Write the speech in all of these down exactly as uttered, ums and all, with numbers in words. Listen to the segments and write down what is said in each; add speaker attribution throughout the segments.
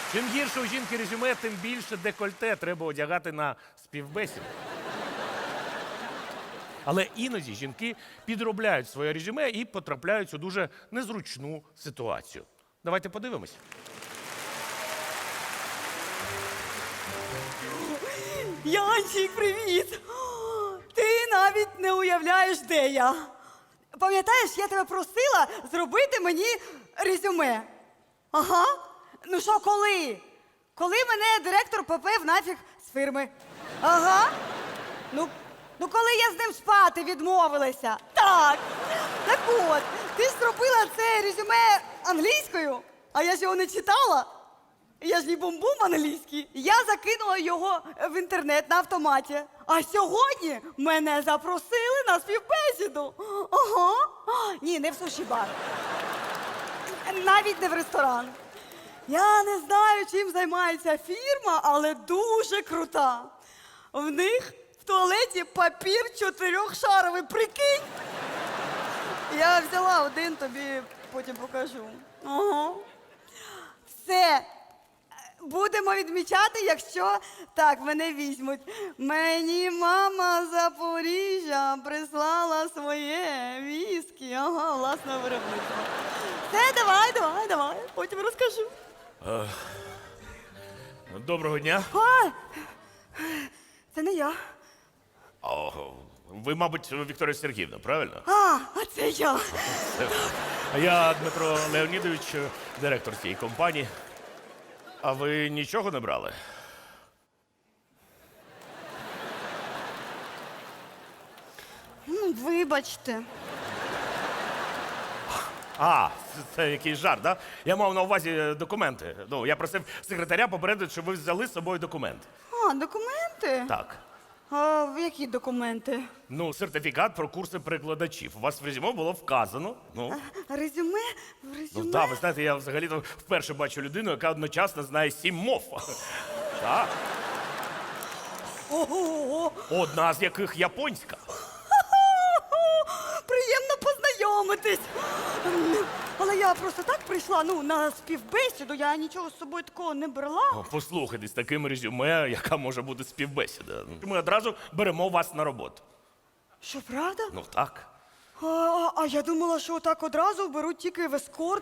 Speaker 1: Чим гірше у жінки резюме, тим більше декольте треба одягати на співбесіду. Але іноді жінки підробляють своє резюме і потрапляють у дуже незручну ситуацію. Давайте подивимось.
Speaker 2: Янчик, привіт! Ти навіть не уявляєш, де я. Пам'ятаєш, я тебе просила зробити мені резюме. Ага. Ну що, коли? Коли мене директор попив нафіг з фірми. Ага. Ну, ну коли я з ним спати відмовилася. Так. Так от, ти ж зробила це резюме англійською, а я ж його не читала. Я ж не бум-бум англійський. Я закинула його в інтернет на автоматі. А сьогодні мене запросили на співбесіду. Ага. Ні, не в суші-бар. Навіть не в ресторан. Я не знаю, чим займається фірма, але дуже крута. В них в туалеті папір чотирьохшаровий, прикинь. Я взяла один, тобі потім покажу. Ага. Все. Будемо відмічати, якщо так мене візьмуть. Мені мама з Запоріжжя прислала своє віскі. Ага, власне виробництво. Все, давай, давай, давай, потім розкажу.
Speaker 1: Доброго дня.
Speaker 2: А, це не я.
Speaker 1: О, ви, мабуть, Вікторія Сергіївна, правильно?
Speaker 2: А, а це я.
Speaker 1: А я Дмитро Леонідович, директор цієї компанії. А ви нічого не брали?
Speaker 2: Ну, вибачте.
Speaker 1: А, це, це якийсь жарт, да? Я мав на увазі документи. Ну, я просив секретаря попередити, щоб ви взяли з собою документ.
Speaker 2: А, документи?
Speaker 1: Так.
Speaker 2: А в які документи?
Speaker 1: Ну, сертифікат про курси перекладачів. У вас в резюме було вказано. Ну,
Speaker 2: Резюме? В
Speaker 1: ну
Speaker 2: резюме?
Speaker 1: так, ви знаєте, я взагалі-то вперше бачу людину, яка одночасно знає сім мов. Так.
Speaker 2: Ого!
Speaker 1: Одна з яких японська.
Speaker 2: Приємно познайомитись. Але я просто так прийшла, ну, на співбесіду, я нічого з собою такого не брала.
Speaker 1: О, послухайте, з таким резюме, яка може бути співбесіда. Ми одразу беремо вас на роботу.
Speaker 2: Що, правда?
Speaker 1: Ну так.
Speaker 2: А, а я думала, що так одразу беруть тільки в ескорт.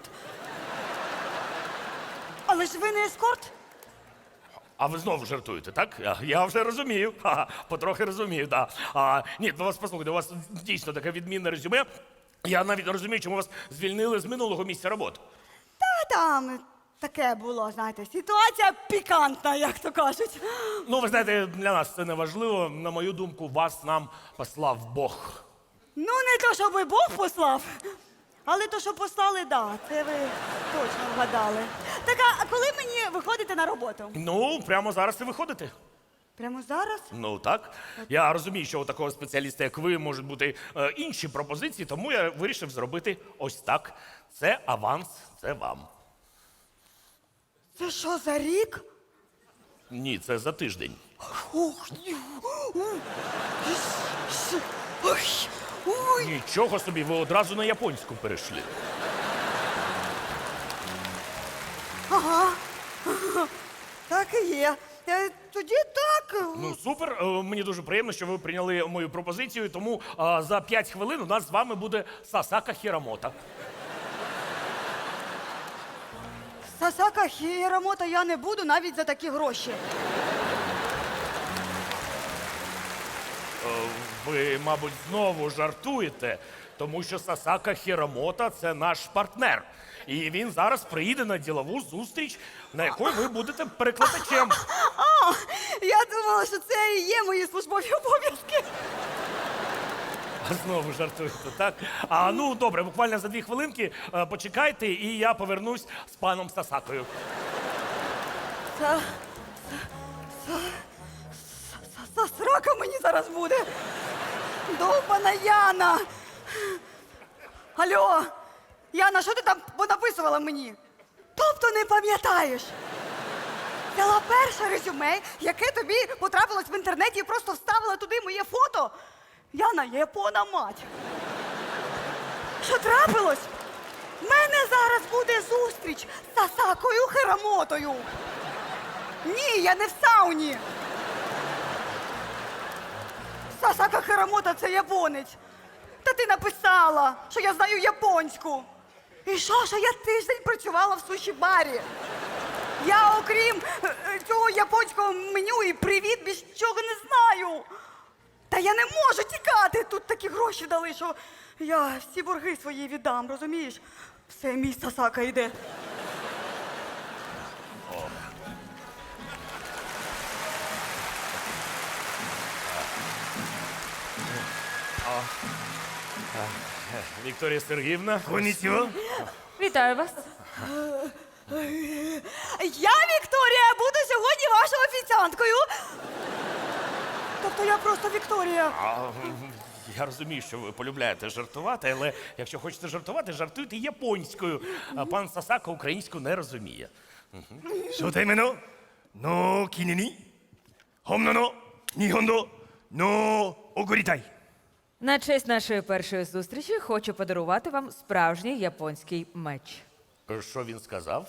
Speaker 2: Але ж ви не ескорт?
Speaker 1: А ви знову жартуєте, так? Я, я вже розумію. Ха, потрохи розумію, так. А, ні, ну вас послухайте, у вас дійсно таке відмінне резюме. Я навіть не розумію, чому вас звільнили з минулого місця роботи.
Speaker 2: Та там таке було, знаєте, ситуація пікантна, як то кажуть.
Speaker 1: Ну, ви знаєте, для нас це не важливо. На мою думку, вас нам послав Бог.
Speaker 2: Ну, не то, щоб і Бог послав, але то, що послали, да, це ви точно вгадали. Так, а коли мені виходите на роботу?
Speaker 1: Ну, прямо зараз і виходите.
Speaker 2: Прямо зараз?
Speaker 1: Ну так. Я розумію, що у такого спеціаліста, як ви, можуть бути е, інші пропозиції, тому я вирішив зробити ось так. Це аванс, це вам.
Speaker 2: Це що, за рік?
Speaker 1: Ні, це за тиждень.
Speaker 2: Ох, ні. Ой, ой.
Speaker 1: Нічого собі, ви одразу на японську перейшли.
Speaker 2: Ага. Так і є. Е, Тоді так.
Speaker 1: Ну, супер. Е, Мені дуже приємно, що ви прийняли мою пропозицію, тому е, за п'ять хвилин у нас з вами буде Сасака Хірамота.
Speaker 2: Сасака Хірамота я не буду навіть за такі гроші.
Speaker 1: Е, Ви, мабуть, знову жартуєте, тому що Сасака Хірамота – це наш партнер. І він зараз приїде на ділову зустріч, на якій ви будете перекладачем.
Speaker 2: А, я думала, що це і є мої службові обов'язки.
Speaker 1: А знову жартуєте, так? А, ну, добре, буквально за дві хвилинки е, почекайте, і я повернусь з паном Сасакою.
Speaker 2: Са... Са... Са... Срака мені зараз буде. Довбана Яна. Алло, Яна, що ти там понаписувала мені? Тобто не пам'ятаєш? Взяла перше резюме, яке тобі потрапилось в інтернеті і просто вставила туди моє фото? Яна, япона мать. Що трапилось? В мене зараз буде зустріч з Сасакою Хірамотою. Ні, я не в сауні. Сасака Хіромото – це японець. Та ти написала, що я знаю японську. І що, що я тиждень працювала в суші-барі. Я, окрім е, е, цього японського меню і привіт, більш нічого не знаю. Та я не можу тікати. Тут такі гроші дали, що я всі борги свої віддам, розумієш? Все, мій Сасака йде.
Speaker 1: Вікторія Сергіївна.
Speaker 3: Конічого.
Speaker 4: Вітаю вас.
Speaker 2: Я, Вікторія, буду сьогодні вашою офіціанткою. Тобто я просто Вікторія.
Speaker 1: А, я розумію, що ви полюбляєте жартувати, але якщо хочете жартувати, жартуйте японською. А пан Сасака українську не розуміє.
Speaker 3: 初対面のの記念に本物の日本語の送りたい。
Speaker 4: На честь нашої першої зустрічі хочу подарувати вам справжній японський меч.
Speaker 1: Що він сказав?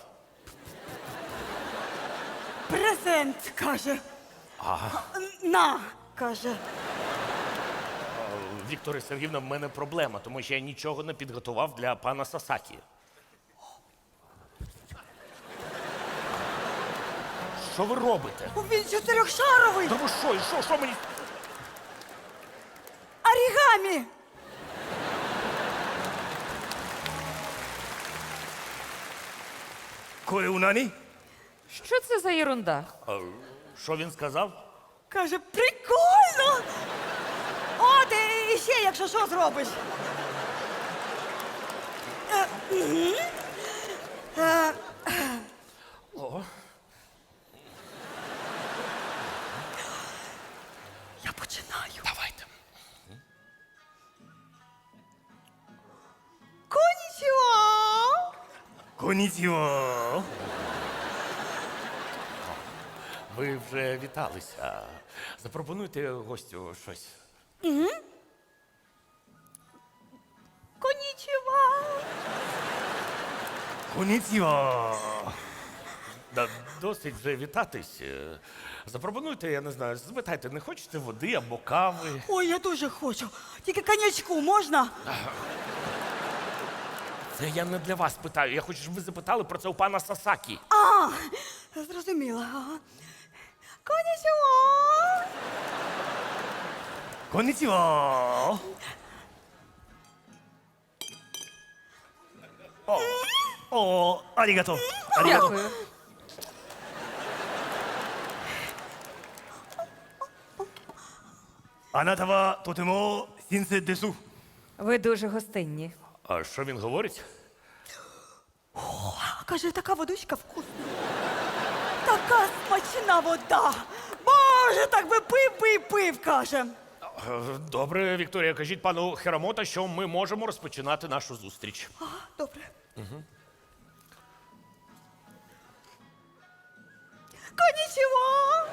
Speaker 2: Презент, каже. На, каже.
Speaker 1: Вікторія Сергіївна, в мене проблема, тому що я нічого не підготував для пана Сасакі. Що ви робите?
Speaker 2: Він чотирьохшаровий.
Speaker 1: Та ви що, і що, що мені?
Speaker 2: Орігамі.
Speaker 3: Кое у нані?
Speaker 4: Що це за єрунда?
Speaker 1: А, що він сказав?
Speaker 2: Каже, прикольно. О, ти ще, якщо що, зробиш. Е, мгм. Е,
Speaker 1: О,
Speaker 2: Я починаю.
Speaker 1: давайте.
Speaker 2: Конічого.
Speaker 3: こんにちは。
Speaker 1: Ви вже віталися. Запропонуйте гостю щось.
Speaker 2: Конічого.
Speaker 3: こんにちは。
Speaker 1: Да, досить вже вітатись. Е, Запропонуйте, я не знаю, запитайте, не хочете води або кави?
Speaker 2: Ой, я дуже хочу. Тільки конячку можна?
Speaker 1: Це я не для вас питаю. Я хочу, щоб ви запитали про це у пана Сасакі.
Speaker 2: А, зрозуміла. Ага. Конічого.
Speaker 3: こんにちは。あ、お、ありがとう。ありがとう。
Speaker 4: Дякую.
Speaker 3: あなたはとても親切です。
Speaker 4: Ви дуже гостинні.
Speaker 1: А що він говорить?
Speaker 2: Каже, така водичка вкусна. Така смачна вода. Боже, так би пив, пив, пив, каже.
Speaker 1: Е, Добре, Вікторія, кажіть пану Хіромото, що ми можемо розпочинати нашу зустріч.
Speaker 2: Ага, добре. Угу. Конічого.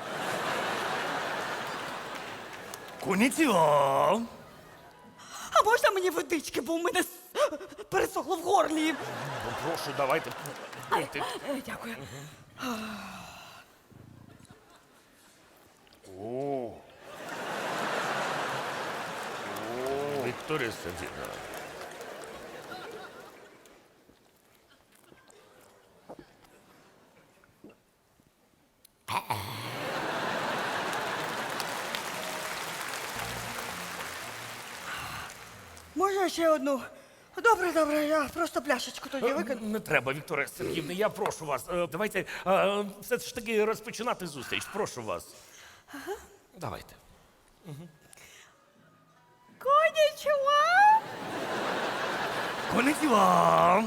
Speaker 3: こんにちは。
Speaker 2: А можна мені водички, бо в мене с- пересохло в горлі.
Speaker 1: Ну, прошу, давайте. пийте.
Speaker 2: Е, Дякую.
Speaker 1: О. О, Вікторія Сергіївна.
Speaker 2: Можна ще одну? Добре, добре, я просто пляшечку тоді
Speaker 1: Е,
Speaker 2: викину.
Speaker 1: Не треба, Вікторія Сергіївна, я прошу вас. Е, Давайте е, все ж таки розпочинати зустріч. Прошу вас. Давайте.
Speaker 2: Конічого.
Speaker 3: こんにちは。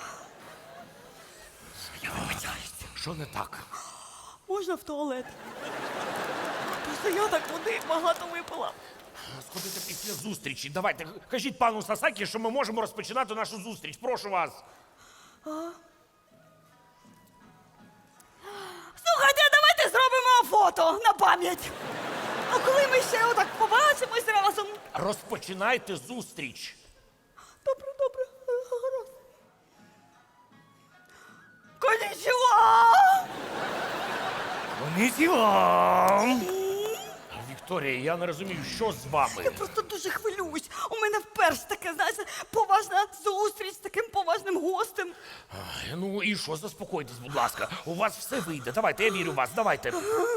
Speaker 1: Що не так?
Speaker 2: Можна в туалет? Просто я так води багато випила.
Speaker 1: Сходите після зустрічі. Давайте, кажіть пану Сасакі, що ми можемо розпочинати нашу зустріч. Прошу вас.
Speaker 2: Слухайте, а давайте зробимо фото на пам'ять. А коли ми ще отак побачимось разом.
Speaker 1: Розпочинайте зустріч.
Speaker 2: Добре, добре, гаразд. Конічого!
Speaker 3: конnichiwa.
Speaker 1: Вікторія, я не розумію, що з вами?
Speaker 2: Я просто дуже хвилююсь. У мене вперше таке, знаєте, поважна зустріч з таким поважним гостем.
Speaker 1: Ай, Ну і що, заспокойтесь, будь ласка. У вас все вийде. Давайте, я вірю в вас, давайте.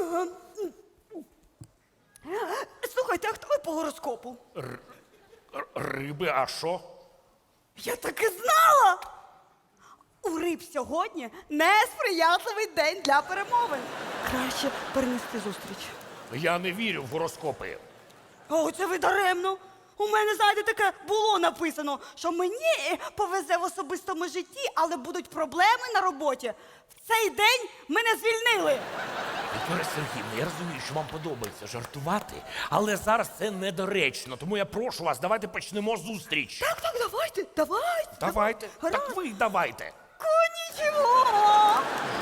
Speaker 2: Слухайте, а хто ви по гороскопу?
Speaker 1: Р- Риби, а що?
Speaker 2: Я так і знала! У риб сьогодні несприятливий день для перемовин. Краще перенести зустріч.
Speaker 1: Я не вірю в гороскопи.
Speaker 2: О, це ви даремно. У мене, знаєте, таке було написано, що мені повезе в особистому житті, але будуть проблеми на роботі. В цей день мене звільнили.
Speaker 1: Вікторія Сергіївна, я розумію, що вам подобається жартувати, але зараз це недоречно, тому я прошу вас, давайте почнемо зустріч.
Speaker 2: Так, так, давайте, давайте.
Speaker 1: Давайте.
Speaker 2: Гаразд.
Speaker 1: Так ви давайте.
Speaker 2: Конічого.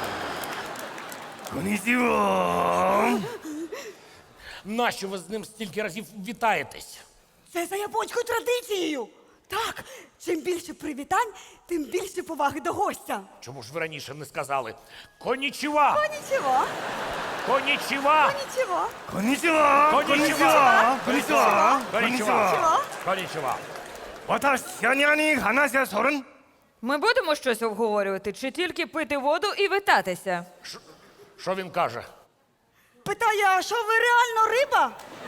Speaker 3: конnichiwa.
Speaker 1: Нащо ви з ним стільки разів вітаєтесь?
Speaker 2: Це за японською традицією. Так, чим більше привітань, тим більше поваги до гостя.
Speaker 1: Чому ж ви раніше не сказали? Конічіва!
Speaker 2: Конічого.
Speaker 1: Конічіва!
Speaker 2: Конічого.
Speaker 3: конnichiwa.
Speaker 1: Конічіва!
Speaker 3: конnichiwa.
Speaker 1: Конічіва!
Speaker 3: конnichiwa.
Speaker 1: Конічіва!
Speaker 3: 私に話はそるん
Speaker 4: Ми будемо щось обговорювати, чи тільки пити воду і витатися?
Speaker 1: Що він каже?
Speaker 2: Питає, а що ви реально риба?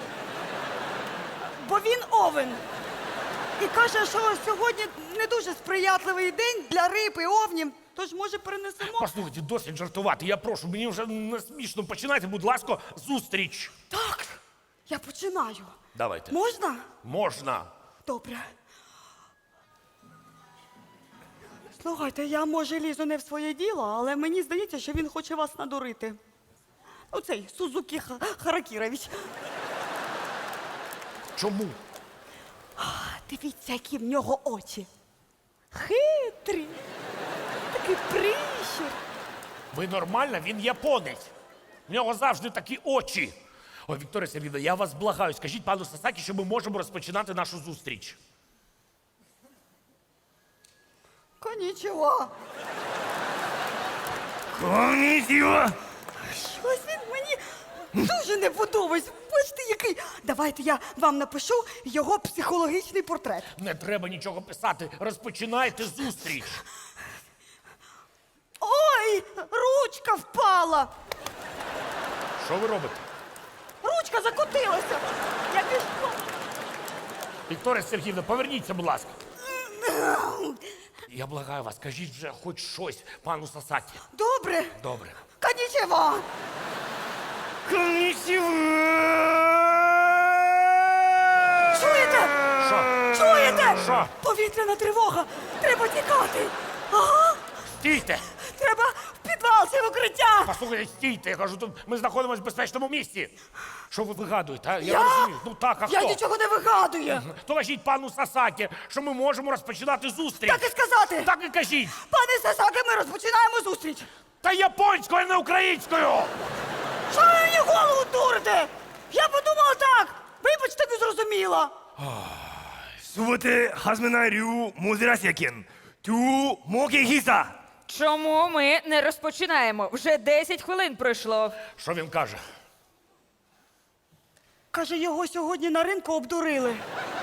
Speaker 2: Бо він овен. І каже, що сьогодні не дуже сприятливий день для риб і овнів, тож може перенесемо.
Speaker 1: Послухайте, досить жартувати. Я прошу, мені вже не смішно. Починайте, будь ласка, зустріч.
Speaker 2: Так, я починаю.
Speaker 1: Давайте.
Speaker 2: Можна?
Speaker 1: Можна.
Speaker 2: Добре. Слухайте, я може лізу не в своє діло, але мені здається, що він хоче вас надурити. Оцей Сузукі Ха- Харакірович.
Speaker 1: Чому?
Speaker 2: Дивіться, які в нього очі. Хитрі. Такий прищур.
Speaker 1: Ви нормальна? Він японець. В нього завжди такі очі. Ой, Вікторія Сергіївна, я вас благаю, скажіть пану Сасакі, що ми можемо розпочинати нашу зустріч.
Speaker 2: Конічого.
Speaker 3: конnichiwa.
Speaker 2: Щось він мені дуже не подобається. Бачите, який. Давайте я вам напишу його психологічний портрет.
Speaker 1: Не треба нічого писати. Розпочинайте зустріч.
Speaker 2: Ой, ручка впала.
Speaker 1: Що ви робите?
Speaker 2: Ручка закотилася. Я пішла.
Speaker 1: Вікторія Сергіївна, поверніться, будь ласка. Я благаю вас, скажіть вже хоч щось пану Сасакі.
Speaker 2: Добре.
Speaker 1: Добре.
Speaker 2: Конічого.
Speaker 3: конnichiwa.
Speaker 2: Чуєте?
Speaker 1: Що?
Speaker 2: Чуєте?
Speaker 1: Що?
Speaker 2: Повітряна тривога. Треба тікати. Ага.
Speaker 1: Стійте!
Speaker 2: Треба в підвал чи в укриття.
Speaker 1: Послухайте, стійте, я кажу, тут ми знаходимося в безпечному місці. Що ви вигадуєте? А? Я,
Speaker 2: Я?
Speaker 1: не розумію. Ну так, а
Speaker 2: Я
Speaker 1: хто?
Speaker 2: нічого не вигадую.
Speaker 1: То кажіть пану Сасакі, що ми можемо розпочинати зустріч.
Speaker 2: Так і сказати.
Speaker 1: Так і кажіть.
Speaker 2: Пане Сасаки, ми розпочинаємо зустріч.
Speaker 1: Та японською, а не українською.
Speaker 2: Що ви мені голову дурите? Я подумала так. Вибачте, не зрозуміла.
Speaker 3: すべて始めない理由モゼラシアケン。トゥモケヒサ。
Speaker 4: Чому ми не розпочинаємо? Вже десять хвилин пройшло.
Speaker 1: Що він каже?
Speaker 2: Каже, його сьогодні на ринку обдурили.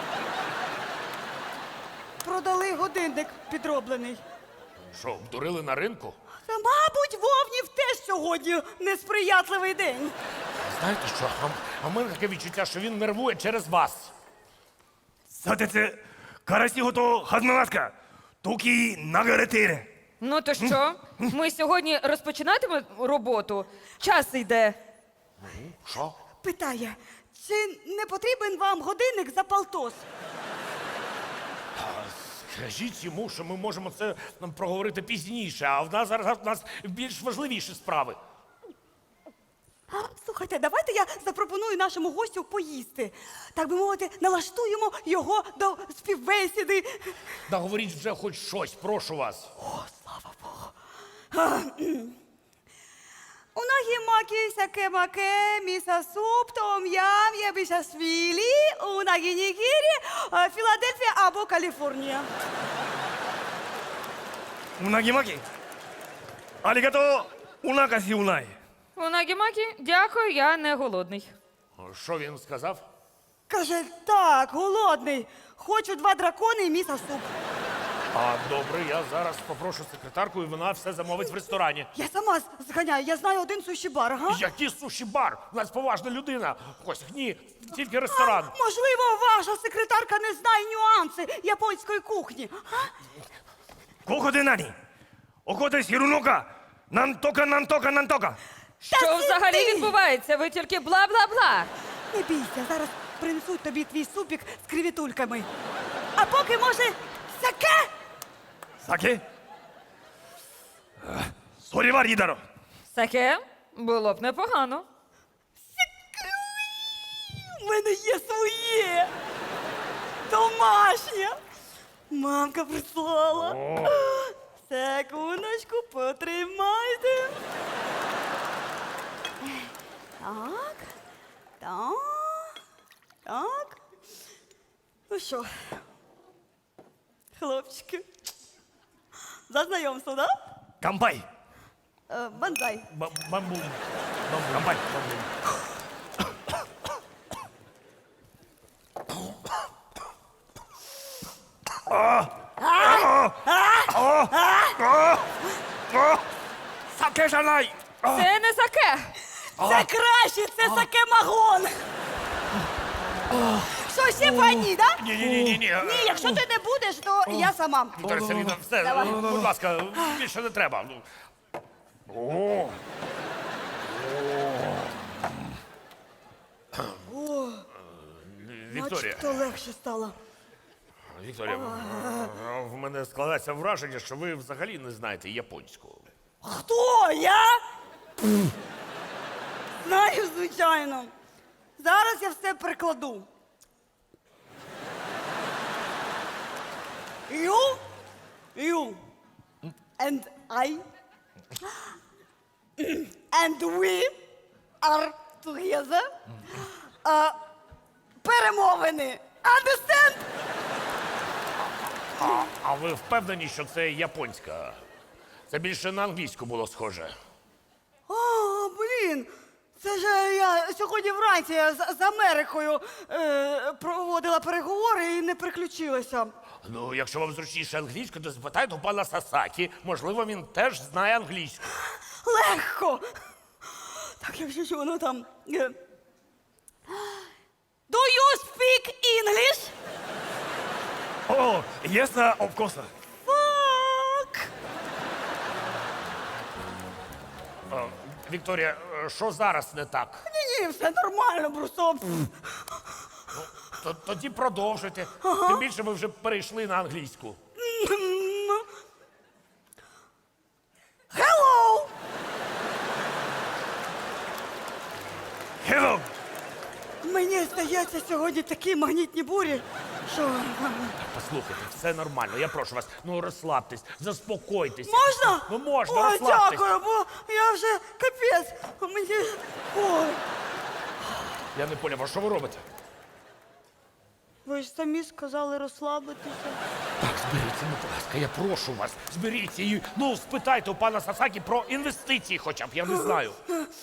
Speaker 2: Продали годинник підроблений.
Speaker 1: Що, обдурили на ринку?
Speaker 2: Та, мабуть, вовнів теж сьогодні несприятливий день.
Speaker 1: Знаєте що? А, а в мене таке відчуття, що він нервує через вас.
Speaker 3: さてつ、から仕事始めますか。時流れている。
Speaker 4: Ну то що? Ми сьогодні розпочинатимемо роботу? Час йде.
Speaker 1: Що?
Speaker 2: Питає, чи не потрібен вам годинник за полтос?
Speaker 1: Скажіть йому, що ми можемо це нам проговорити пізніше, а в нас зараз в нас більш важливіші справи.
Speaker 2: А, слухайте, давайте я запропоную нашому гостю поїсти. Так би мовити, налаштуємо його до співбесіди.
Speaker 1: Да говоріть вже хоч щось, прошу вас.
Speaker 2: О, слава Богу. Унагі макі сяке маке, міса суп, том ям, ябішасвілі, унагі нігірі, е, Філадельфія або Каліфорнія.
Speaker 3: うなぎ巻き。ありがとう。お腹しうない。
Speaker 4: Унагі-макі, дякую, я не голодний.
Speaker 1: Що він сказав?
Speaker 2: Каже, так, голодний. Хочу два дракони і місо-суп.
Speaker 1: А добре, я зараз попрошу секретарку, і вона все замовить в ресторані.
Speaker 2: Я сама з- зганяю, я знаю один суші-бар, ага.
Speaker 1: Який суші-бар? У нас поважна людина. Ось, ні, тільки ресторан.
Speaker 2: Можливо, ваша секретарка не знає нюанси японської кухні. А?
Speaker 3: ここで何怒っているのかなんとかなんとかなんとか
Speaker 4: Що взагалі
Speaker 2: сиди!
Speaker 4: відбувається? Ви тільки бла-бла-бла.
Speaker 2: Не бійся, зараз принесуть тобі твій супік з кривітульками. А поки, може, саке?
Speaker 3: 酒あそれはいいだろう
Speaker 4: Саке було б непогано.
Speaker 2: У мене є своє. Домашнє. Мамка прислала. Секундочку, потримайте. Так. Так. Так. Ну що, хлопчики, за знайомство, да?
Speaker 3: 乾杯
Speaker 2: Е, Банзай.
Speaker 1: Ба- Бамбум. Бамбум. Бамбай. Бамбум.
Speaker 3: 酒じゃない
Speaker 4: Це не саке.
Speaker 2: Це краще, це сакемагон. Що, ще по одній, да?
Speaker 1: Ні, ні, ні, ні, ні.
Speaker 2: Ні, якщо ти не будеш, то я сама.
Speaker 1: Вікторія Сергійовна, все,
Speaker 2: Давай.
Speaker 1: будь ласка, більше не треба. Ну. О.
Speaker 2: О,
Speaker 1: Вікторія,
Speaker 2: начебто легше стало.
Speaker 1: Вікторія, в мене складається враження, що ви взагалі не знаєте японську.
Speaker 2: Хто? Я? Знаю, звичайно. Зараз я все перекладу. You, you, and I, and we are together. Uh, перемовини. Understand?
Speaker 1: А, а ви впевнені, що це японська? Це більше на англійську було схоже.
Speaker 2: А, блін, це ж я сьогодні вранці з, з Америкою е, проводила переговори і не приключилася.
Speaker 1: Ну, якщо вам зручніше англійську, то запитайте у пана Сасакі. Можливо, він теж знає англійську.
Speaker 2: Легко. Так, якщо що воно там. е. Do you speak English?
Speaker 3: Oh, yes, uh, of course.
Speaker 2: Fuck.
Speaker 1: А, Вікторія, е, що зараз не так?
Speaker 2: Ні, ні, все нормально, просто.
Speaker 1: Т- Тоді продовжуйте. Тим більше ви вже перейшли на англійську.
Speaker 2: Hello!
Speaker 3: Hello.
Speaker 2: Мені здається, сьогодні такі магнітні бурі, що.
Speaker 1: Послухайте, все нормально. Я прошу вас, ну розслабтесь, заспокойтесь.
Speaker 2: Можна?
Speaker 1: Ну можна,
Speaker 2: О,
Speaker 1: розслабтесь.
Speaker 2: дякую, бо я вже капець. Мені. Ой.
Speaker 1: Я не поняв, а що ви робите?
Speaker 2: Ви ж самі сказали розслабитися.
Speaker 1: Так, зберіться, ну, будь ласка, я прошу вас, зберіться і ну спитайте у пана Сасакі про інвестиції, хоча б я не знаю.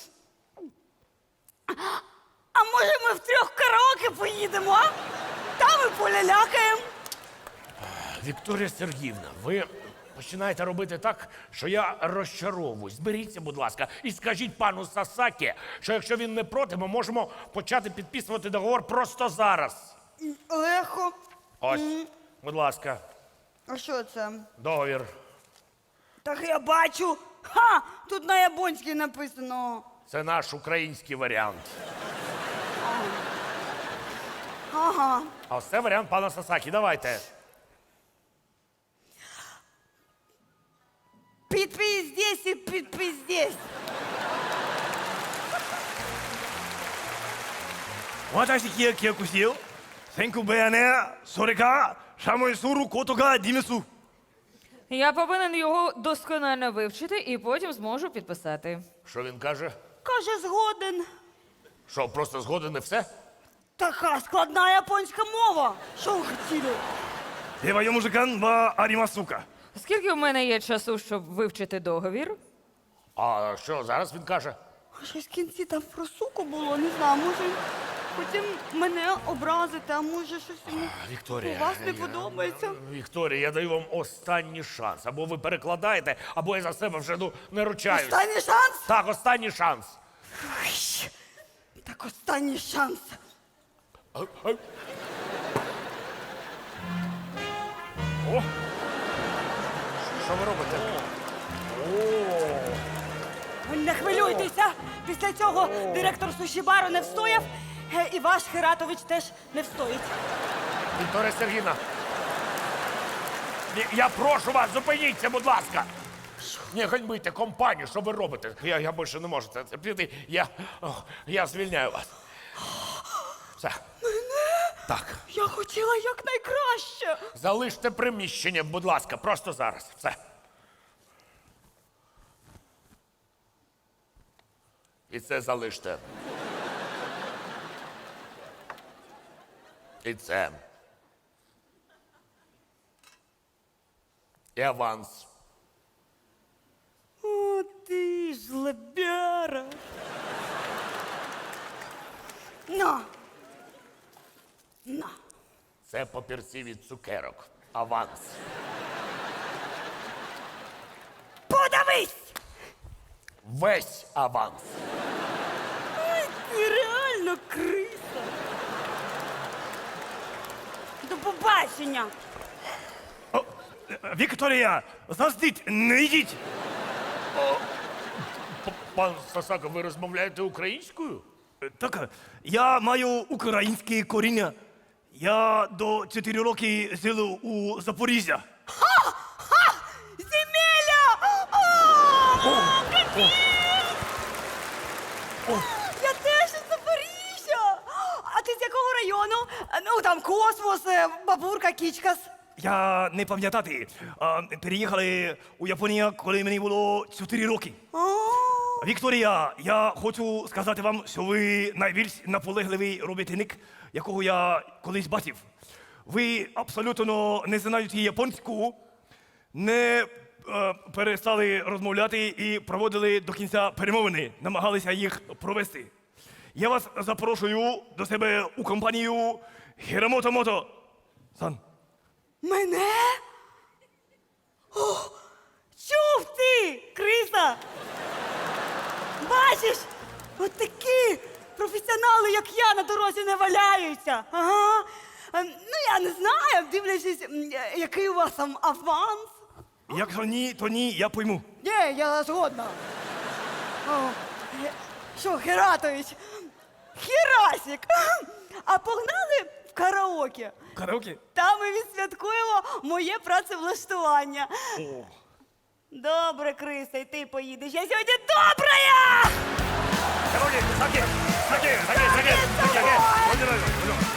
Speaker 2: А може ми втрьох караоке поїдемо, а? Там і полялякаємо.
Speaker 1: Вікторія Сергіївна, ви починаєте робити так, що я розчаровуюсь. Зберіться, будь ласка, і скажіть пану Сасакі, що якщо він не проти, ми можемо почати підписувати договор просто зараз.
Speaker 2: Легко.
Speaker 1: Ось, будь ласка,
Speaker 2: А що це?
Speaker 1: договір.
Speaker 2: Так я бачу. Ха! Тут на японській написано.
Speaker 1: Це наш український варіант.
Speaker 2: Ага.
Speaker 1: А ось це варіант пана Сасакі. Давайте.
Speaker 2: Підпись здесь і підпись здесь.
Speaker 3: 私記憶記憶しよう。先空部屋ね、それか、シャモイソルことがディムス。
Speaker 4: Я повинен його досконально вивчити і потім зможу підписати.
Speaker 1: Що він каже?
Speaker 2: Каже, згоден.
Speaker 1: Що, просто згоден і все?
Speaker 2: Така складна японська мова. Що ви хотіли?
Speaker 3: では読む時間はありますか
Speaker 4: Скільки в мене є часу, щоб вивчити договір?
Speaker 1: А що зараз він каже?
Speaker 2: А щось в кінці там про суку було, не знаю, може хотів мене образити, а може щось йому
Speaker 1: Вікторія,
Speaker 2: у вас не
Speaker 1: я-
Speaker 2: подобається.
Speaker 1: Вікторія, я даю вам останній шанс. Або ви перекладаєте, або я за себе вже ну, не ручаюсь.
Speaker 2: Останній шанс?
Speaker 1: Так, останній шанс.
Speaker 2: Ой, так останній шанс.
Speaker 1: Ай, ай. О! Що ви робите? О!
Speaker 2: Не хвилюйтеся. Після цього директор суші-бару не встояв, е, і ваш Хиратович теж не встоїть.
Speaker 1: Вікторія Сергійовна, ні, я прошу вас, зупиніться, будь ласка. Не ганьбите компанію, що ви робите? Я, я більше не можу це терпіти. Я, о, я звільняю вас. Все. Мене? Так.
Speaker 2: Я хотіла якнайкраще.
Speaker 1: Залиште приміщення, будь ласка, просто зараз. Все. І це залиште. І це. І аванс.
Speaker 2: О, ти ж лебяра. На. На.
Speaker 1: Це папірці від цукерок. Аванс.
Speaker 2: Подавись!
Speaker 1: Весь аванс.
Speaker 2: Ай, ти реально криса. До побачення.
Speaker 3: О, е, Вікторія, заздіть, не йдіть.
Speaker 1: П- Пан Сасака, ви розмовляєте українською?
Speaker 3: Е, Так, я маю українське коріння. Я до чотири роки жив у Запоріжжя.
Speaker 2: Земеля! О, я теж із Запоріжжя. А ти з якого району? Ну, там космос, е, бабурка, кічкас.
Speaker 3: Я не пам'ятати. А, переїхали у Японію, коли мені було чотири роки.
Speaker 2: О,
Speaker 3: Вікторія, я хочу сказати вам, що ви найбільш наполегливий робітник, якого я колись бачив. Ви абсолютно не знаєте японську, не е, перестали розмовляти і проводили до кінця перемовини, намагалися їх провести. Я вас запрошую до себе у компанію Хірамото Мото. Сан.
Speaker 2: мене? О, чув ти, криса? Бачиш, от такі професіонали, як я, на дорозі не валяються. Ага. Е, Ну, я не знаю, дивлячись, м, е, який у вас там аванс.
Speaker 3: Якщо ні, то ні, я пойму.
Speaker 2: Ні, я згодна. О, е, що, Хератович? Херасик! А погнали в караоке?
Speaker 3: Караоке?
Speaker 2: Там ми відсвяткуємо моє працевлаштування.
Speaker 3: О.
Speaker 2: Добре, Криса, і ти поїдеш. Я сьогодні добрая!
Speaker 3: Караоке, саке, саке, саке, саке, саке, саке.